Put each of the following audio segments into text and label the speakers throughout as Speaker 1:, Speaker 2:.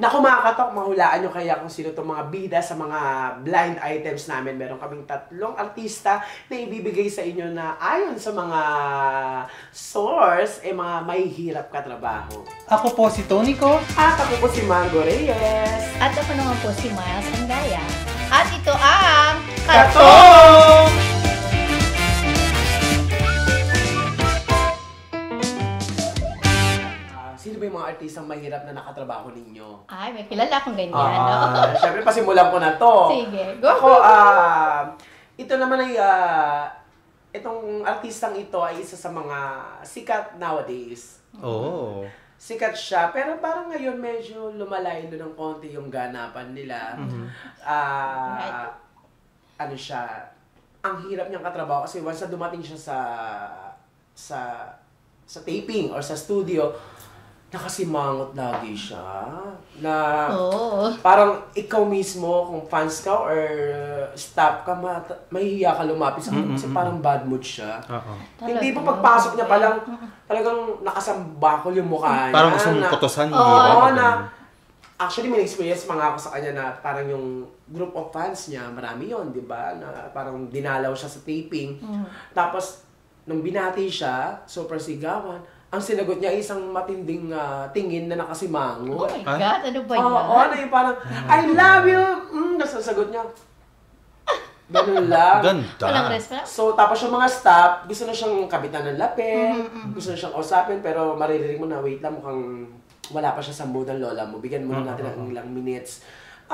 Speaker 1: Naku mga katok, mahulaan nyo kaya kung sino itong mga bida sa mga blind items namin. Meron kaming 3 artista na ibibigay sa inyo na ayon sa mga source, mga may hirap katrabaho.
Speaker 2: Ako po si Tony ko.
Speaker 1: At ako po si Margo Reyes.
Speaker 3: At ako naman po si Miles Andaya. At ito ang
Speaker 1: Katong! Sino ba yung mga artistang mahirap na nakatrabaho ninyo?
Speaker 3: Ay, may kilala akong ganyan, no?
Speaker 1: Siyempre, pasimulan ko na to.
Speaker 3: Sige, go.
Speaker 1: Ako, ito naman ay, itong artistang ito ay isa sa mga sikat nowadays.
Speaker 2: Oh.
Speaker 1: Sikat siya, pero parang ngayon medyo lumalayo ng konti yung ganapan nila. Ano siya, ang hirap niyang katrabaho kasi once na dumating siya sa taping or sa studio, nakasimangot lagi siya. Na parang ikaw mismo, kung fans ka or staff ka, mahihiya ka lumapit sa kanya kasi parang bad mood siya. Hindi pa pagpasok niya palang talagang nakasambakol yung mukha niya.
Speaker 2: Parang gusto mong kutusan niya.
Speaker 1: Oo, actually, may experience mga ako sa kanya na parang yung group of fans niya, marami yon, di ba? Na parang dinalaw siya sa taping. Tapos, nung binati siya, super sigawan, ang sinagot niya ay isang matinding tingin na nakasimango.
Speaker 3: Oh my God, ano ba yan?
Speaker 1: Oo, ano yung parang, I love you! Nasasagot niya. Ganun lang.
Speaker 2: Ganda.
Speaker 3: Walang response?
Speaker 1: So, tapos yung mga staff, gusto na siyang kabitan ng lapel, gusto na siyang usapin, pero maririnig mo na, wait lang, mukhang wala pa siya sa mood ng lola mo. Bigyan mo natin ng ilang minutes.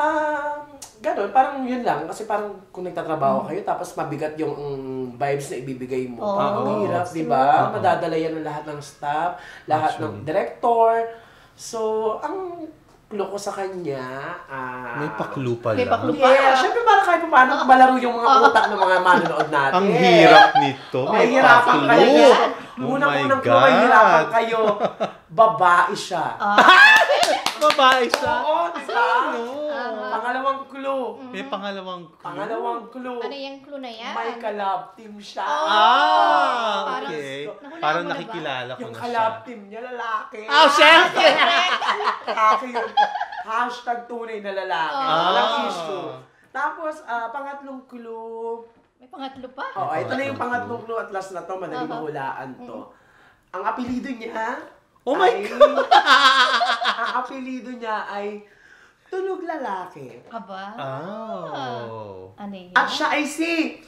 Speaker 1: Ganun, parang yun lang. Kasi parang kung nagtatrabaho kayo, tapos mabigat yung vibes na ibibigay mo. Parang hirap, di ba? Madadala yan ng lahat ng staff, lahat ng director. So, ang clue ko sa kanya,
Speaker 2: may paklu pa
Speaker 3: May
Speaker 2: lang.
Speaker 3: paklu pa.
Speaker 1: yeah, syempre para kahit paano malaro yung mga utak ng mga manonood natin.
Speaker 2: Ang hirap nito. May
Speaker 1: Mahirapan
Speaker 2: paklu.
Speaker 1: kayo.
Speaker 2: Oh
Speaker 1: Unang-unang
Speaker 2: my
Speaker 1: clue, mahirapan
Speaker 2: God.
Speaker 1: kayo. Babae siya.
Speaker 2: Babae siya.
Speaker 1: Oo, di ba?
Speaker 2: No.
Speaker 1: Pangalawang clue.
Speaker 2: May pangalawang clue.
Speaker 1: Pangalawang clue.
Speaker 3: Ano yung clue na yan?
Speaker 1: May collab team siya.
Speaker 3: Parang-
Speaker 2: Okay.
Speaker 3: Nahulaan
Speaker 2: Parang
Speaker 3: mo na ba?
Speaker 2: nakikilala ko
Speaker 1: Yung
Speaker 2: na
Speaker 1: collab
Speaker 2: siya.
Speaker 1: team niya, lalaki.
Speaker 2: Oh, syempre!
Speaker 1: Lalaki yun. Hashtag tunay na lalaki. Walang issue. Tapos, pangatlong clue.
Speaker 3: May pangatlo pa?
Speaker 1: Oh, ito na yung pangatlong clue at last na to. Madali mahulaan to. Ang apelido niya
Speaker 2: Oh my
Speaker 1: God! Ang apelido niya ay Tunog Lalaki.
Speaker 3: Aba?
Speaker 2: Oh.
Speaker 3: Ano yun?
Speaker 1: At siya ay si...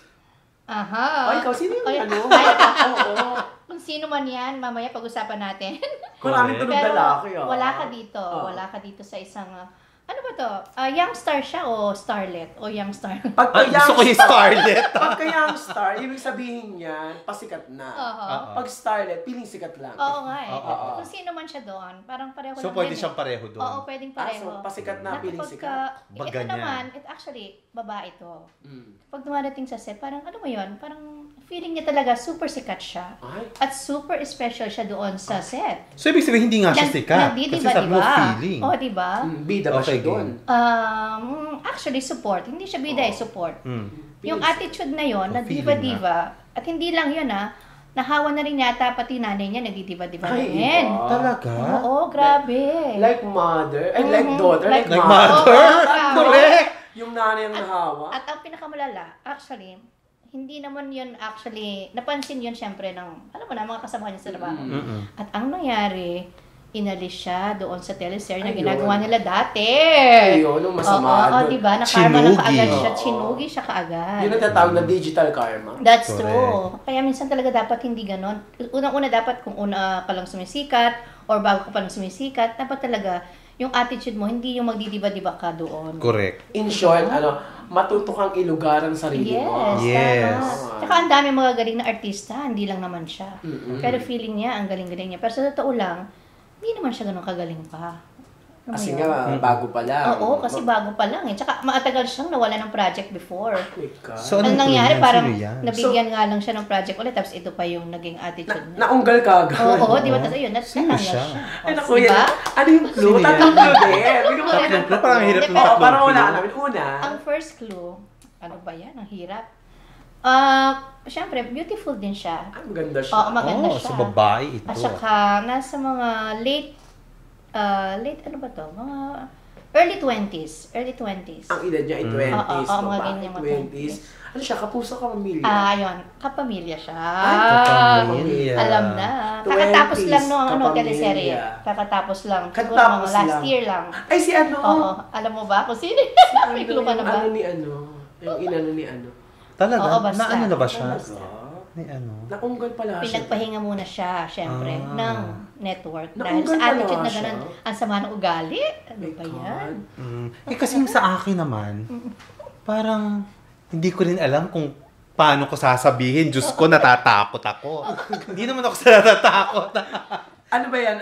Speaker 3: Aha.
Speaker 1: ikaw, sino yung
Speaker 3: Ay,
Speaker 1: ano?
Speaker 3: ay,
Speaker 1: Oo.
Speaker 3: Kung sino man yan, mamaya pag-usapan natin.
Speaker 1: Maraming tunog
Speaker 3: Pero
Speaker 1: lalaki,
Speaker 3: wala ka dito. Wala ka dito sa isang... ano ba to? Young star siya o starlet? O young star?
Speaker 2: Gusto ko yung Scarlett.
Speaker 1: Pagka young star, ibig sabihin niya, pasikat na. Pag starlet, piling sikat lang.
Speaker 3: Oo nga eh. Kung sino man siya doon, parang pareho
Speaker 2: So,
Speaker 3: lang
Speaker 2: pwede
Speaker 3: yan
Speaker 2: siyang pareho doon.
Speaker 3: Oo, pwedeng pareho.
Speaker 1: So, pasikat na, piling
Speaker 3: kapag
Speaker 1: sikat.
Speaker 3: ito
Speaker 2: Baga niya.
Speaker 3: naman, actually, babae to. Pag dumadating sa set, parang ano mo yun? Parang feeling niya talaga super sikat siya.
Speaker 1: Ay.
Speaker 3: At super special siya doon sa set.
Speaker 2: So, ibig sabihin, hindi nga siya sikat. Kasi sabi mo feeling.
Speaker 3: Oo, diba?
Speaker 1: Bida ba siya
Speaker 2: Okay,
Speaker 1: doon?
Speaker 3: Actually, support. Hindi siya bida support. Yung
Speaker 1: Piling
Speaker 3: attitude na yon na
Speaker 2: feeling
Speaker 3: diva-diva, at hindi lang yun nahawa na rin yata pati nanay niya nagdidiva-diva
Speaker 1: Ay,
Speaker 3: rin.
Speaker 1: iba.
Speaker 2: Talaga?
Speaker 3: Oo, grabe.
Speaker 1: Like mother, like daughter, like
Speaker 2: Like
Speaker 1: mother.
Speaker 2: mother?
Speaker 3: Oo,
Speaker 2: Correct!
Speaker 1: Yung nanay ang nahawa.
Speaker 3: At ang pinakamalala, actually, hindi naman yun actually, napansin yun syempre ng, alam mo na, mga kasama niya sa trabaho. At ang nangyari, inalis siya doon sa teleserye na
Speaker 1: Ayun.
Speaker 3: ginagawa nila dati.
Speaker 1: Ayun, yung masama
Speaker 3: Oo,
Speaker 1: doon.
Speaker 3: diba? Na-karma na
Speaker 2: Chinugi.
Speaker 3: kaagad siya. Chinugi siya kaagad.
Speaker 1: Yun ang tatawag na digital karma.
Speaker 3: That's
Speaker 2: Correct.
Speaker 3: true. Kaya minsan talaga dapat hindi ganon. Unang-una dapat kung una ka lang sumisikat or bago ka pa lang sumisikat, dapat talaga yung attitude mo, hindi yung magdidiba-diba ka doon.
Speaker 2: Correct.
Speaker 1: In short, matuto kang ilugar ang sarili mo.
Speaker 2: Yes.
Speaker 3: Tama. Tsaka ang dami mga galing na artista, hindi lang naman siya. Pero feeling niya, ang galing-galing niya. Pero sa totoo lang, hindi naman siya ganun kagaling pa. Alam mo
Speaker 1: Kasi
Speaker 3: yun?
Speaker 1: nga, bago pa lang.
Speaker 3: Oo, kasi bago pa lang eh. Tsaka matagal siyang nawala ng project before.
Speaker 1: Oh my God.
Speaker 2: So,
Speaker 3: Ang
Speaker 2: anong
Speaker 3: nangyari,
Speaker 2: clue yan?
Speaker 3: parang
Speaker 2: Sino yan?
Speaker 3: nabigyan nga lang siya ng project ulit, tapos ito pa yung naging attitude niya.
Speaker 1: Naunggal ka agad.
Speaker 3: Oo, di ba? Tapos ayun,
Speaker 2: Sino
Speaker 3: natanggal
Speaker 2: siya?
Speaker 3: siya.
Speaker 1: Ay, naku,
Speaker 3: Diba?
Speaker 1: yan. Ano yung clue?
Speaker 2: Sino yan?
Speaker 1: Tatlong clue din. Bigyan mo
Speaker 2: Tatlong clue? Parang hirap ng
Speaker 3: Oo,
Speaker 2: tatlong
Speaker 1: Parang wala
Speaker 2: clue.
Speaker 1: namin. Una,
Speaker 3: Ang first clue, ano ba yan? Ang hirap. Siyempre, beautiful din siya.
Speaker 1: ang ganda siya.
Speaker 3: Oo, maganda
Speaker 2: Oh,
Speaker 3: siya.
Speaker 2: so babae ito.
Speaker 3: At saka, nasa mga late ano ba to? Mga Early 20s. Early 20s.
Speaker 1: Ang edad niya ay 20s.
Speaker 3: Oo, mga ganyan, mga
Speaker 1: 20s. Ano siya? Kapuso, kapamilya?
Speaker 3: Ayun. Kapamilya siya.
Speaker 2: Kapamilya.
Speaker 3: Alam na.
Speaker 1: 20s,
Speaker 3: Kakatapos lang no,
Speaker 1: kapamilya.
Speaker 3: Teleserye. Kakatapos lang. Siguro
Speaker 1: Kakatapos
Speaker 3: mga last
Speaker 1: lang.
Speaker 3: year lang.
Speaker 1: Ay, si ano?
Speaker 3: Oo. Alam mo ba kung sino? May clue ka na ba?
Speaker 1: Ano ni ano? Yung inano ni ano?
Speaker 2: Talaga?
Speaker 3: Oo, basta.
Speaker 2: Na ano na ba siya?
Speaker 3: Basta.
Speaker 2: Ni ano?
Speaker 1: Naunggal pala siya.
Speaker 3: Pinagpahinga muna siya, syempre, ng network. Dahil
Speaker 1: Naunggal
Speaker 3: sa
Speaker 1: pala
Speaker 3: attitude na
Speaker 1: siya.
Speaker 3: ganun, ang sama ng ugali. Ano
Speaker 1: My
Speaker 3: ba
Speaker 1: God.
Speaker 3: yan?
Speaker 2: Kasi yung sa akin naman, parang hindi ko rin alam kung paano ko sasabihin. Diyos ko, natatakot ako. Hindi naman ako sa natatakot.
Speaker 1: Ano ba yan?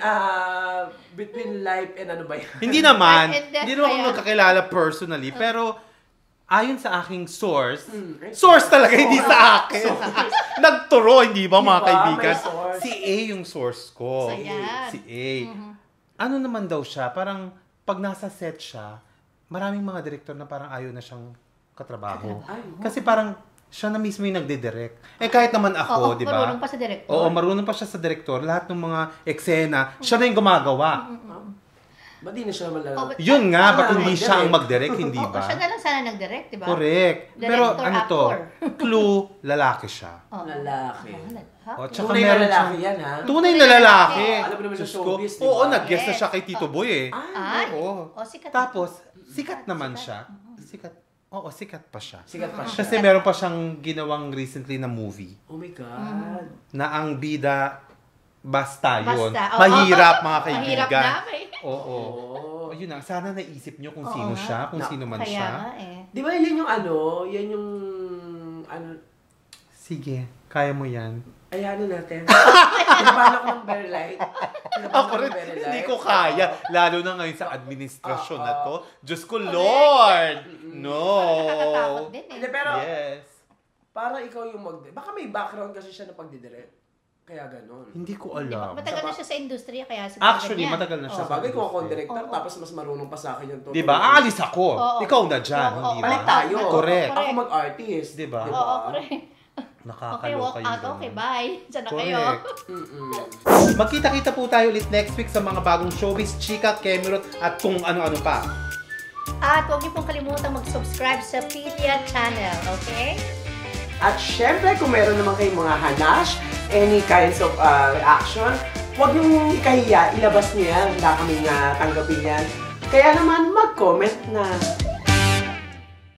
Speaker 1: Between life and ano ba yan?
Speaker 2: Hindi naman.
Speaker 3: Life and death
Speaker 2: Hindi naman ako
Speaker 3: ba yan?
Speaker 2: magkakilala personally. Pero, ayon sa aking source, source talaga, hindi sa akin. Nagturo, hindi ba mga
Speaker 1: Diba?
Speaker 2: kaibigan?
Speaker 1: May source.
Speaker 2: Si A yung source ko.
Speaker 3: So, yan.
Speaker 2: Si A. Ano naman daw siya, parang pag nasa set siya, maraming mga director na parang ayaw na siyang katrabaho. Kasi parang siya na mismo yung nagdidirect. Eh kahit naman ako, di ba?
Speaker 3: Marunong pa sa director.
Speaker 2: Oo, marunong pa siya sa director. Lahat ng mga eksena, siya na yung gumagawa.
Speaker 1: Ba't di na siya malala?
Speaker 2: Yun nga, ba't
Speaker 1: Ah,
Speaker 2: hindi siya ang
Speaker 1: mag-direct.
Speaker 2: mag-direct, hindi
Speaker 3: Oo,
Speaker 2: ba?
Speaker 3: siya na lang sana nag-direct, di ba?
Speaker 2: Correct. Pero
Speaker 3: Director,
Speaker 2: ano to?
Speaker 3: actor.
Speaker 2: Clue, lalaki siya.
Speaker 3: Oo.
Speaker 1: Lalaki.
Speaker 3: Lalaki.
Speaker 2: O, tsaka
Speaker 1: Tunay na
Speaker 2: meron
Speaker 1: lalaki
Speaker 2: siya.
Speaker 1: yan, ha?
Speaker 2: Tunay na lalaki.
Speaker 1: Alam mo naman sa
Speaker 2: Diyos ko.
Speaker 1: showbiz, di ba?
Speaker 2: Oo, nag-guest na
Speaker 3: Yes.
Speaker 2: siya kay Tito Boy eh.
Speaker 3: Ay,
Speaker 2: Oo.
Speaker 3: sikat.
Speaker 2: Tapos, sikat naman siya. Sikat. Oo, sikat pa siya.
Speaker 1: Sikat pa siya.
Speaker 2: Kasi meron pa siyang ginawang recently na movie
Speaker 1: Oh my God.
Speaker 2: na ang bida basta yun.
Speaker 3: Basta, oo.
Speaker 2: Mahirap mga kaibigan.
Speaker 3: Mahirap na, eh.
Speaker 2: Oo.
Speaker 1: Oh.
Speaker 2: Yun na, sana naisip nyo kung
Speaker 3: Oo
Speaker 2: sino
Speaker 3: nga.
Speaker 2: siya, kung sino man
Speaker 3: Kaya
Speaker 2: siya.
Speaker 3: nga eh.
Speaker 1: Di ba yan yung ano? Yan yung... Ano?
Speaker 2: Sige, kaya mo yan.
Speaker 1: Ay, ano natin? Pinapahan ako ng very light.
Speaker 2: Ako rin, hindi ko kaya. Lalo na ngayon sa administrasyon na to. Diyos ko, Lord! No!
Speaker 3: Nakakatakot din eh.
Speaker 1: Hindi, pero
Speaker 2: Yes.
Speaker 1: para ikaw yung baka may background kasi siya na pagdidirect. Kaya ganon.
Speaker 2: Hindi ko
Speaker 3: Di ba?
Speaker 2: alam.
Speaker 3: Matagal na siya sa industriya, kaya siguro
Speaker 2: Actually,
Speaker 3: ganyan.
Speaker 2: matagal na siya.
Speaker 1: Sa bagay, kung ako ang director,
Speaker 3: Oo.
Speaker 1: tapos mas marunong pa sa akin yung
Speaker 2: Di ba? Aalis ako.
Speaker 3: Oo.
Speaker 2: Ikaw na dyan,
Speaker 3: Oo,
Speaker 2: hindi
Speaker 3: oo.
Speaker 2: ba?
Speaker 1: Balik tayo.
Speaker 2: Correct.
Speaker 1: Ako mag-artist.
Speaker 2: Di ba?
Speaker 3: Oo, correct. Okay,
Speaker 2: Nakakaloka
Speaker 3: walk
Speaker 2: yung
Speaker 3: out.
Speaker 2: ganun.
Speaker 3: Okay, bye. Diyan na kayo.
Speaker 2: Correct.
Speaker 1: Mm-mm.
Speaker 2: Magkita-kita po tayo ulit next week sa mga bagong showbiz, chika, Kemerot, at kung ano-ano pa.
Speaker 3: At huwag niyo pong kalimutan mag-subscribe sa Philia channel, okay?
Speaker 1: At syempre, kung meron naman kayong mga hanash, any kinds of reaction, huwag niyong ikahiya, ilabas niyo yan. Handa kaming tanggapin yan. Kaya naman, mag-comment na.